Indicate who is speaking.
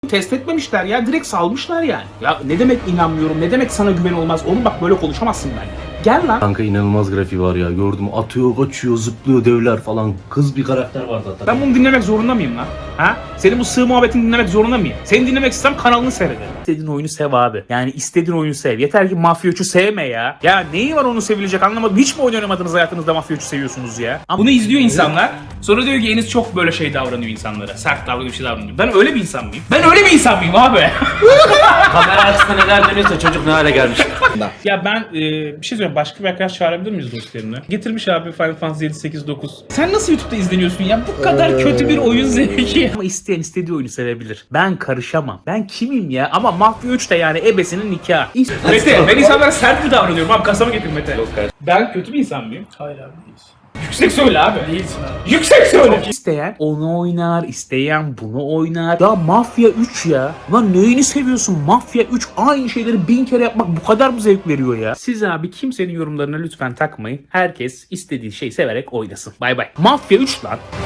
Speaker 1: test etmemişler ya. Direkt salmışlar yani. Ya ne demek inanmıyorum, ne demek sana güven olmaz. Oğlum bak böyle konuşamazsın ben. Gel lan.
Speaker 2: Kanka inanılmaz grafiği var ya. Gördüm, atıyor, kaçıyor, zıplıyor, devler falan. Kız bir karakter var zaten.
Speaker 1: Ben bunu dinlemek zorunda mıyım lan? Ha? Senin bu sığ muhabbetini dinlemek zorunda mıyım? Seni dinlemek istem kanalını seyrederim. İstediğin oyunu sev abi. Yani istediğin oyunu sev. Yeter ki Mafya 3'ü sevme ya. Ya neyi var onu sevilecek anlamadım. Hiç mi oyun oynamadınız hayatınızda Mafya 3'ü seviyorsunuz ya? Bunu izliyor insanlar. Sonra diyor ki Enis çok böyle şey davranıyor insanlara. Sert davranıyor, bir şey davranıyor. Ben öyle bir insan mıyım? Ben öyle bir insan mıyım abi?
Speaker 2: Kamera açısında neler dönüyorsa çocuk ne hale gelmiş.
Speaker 1: Ya ben bir şey söyleyeyim. Başka bir arkadaş çağırabilir miyiz dostlarını? Getirmiş abi Final Fantasy 7, 8, 9. Sen nasıl YouTube'da izleniyorsun ya? Bu kadar kötü bir oyun zevki. Ama isteyen istediği oyunu sevebilir. Ben karışamam. Ben kimim ya? Ama Mafya 3 de yani ebesinin nikahı. Mete, ben insanlara sert mi davranıyorum? Abi kasama getir Mete.
Speaker 2: Yok kardeşim.
Speaker 1: Ben kötü bir insan mıyım?
Speaker 3: Hayır abi değilsin.
Speaker 1: Yüksek söyle abi.
Speaker 3: Değilsin abi.
Speaker 1: Yüksek söyle. İsteyen onu oynar, isteyen bunu oynar. Ya Mafya 3 ya. Lan neyini seviyorsun? Mafya 3 aynı şeyleri 1000 kere yapmak bu kadar mı zevk veriyor ya? Siz abi kimsenin yorumlarına lütfen takmayın. Herkes istediği şeyi severek oynasın. Bay bay. Mafya 3 lan.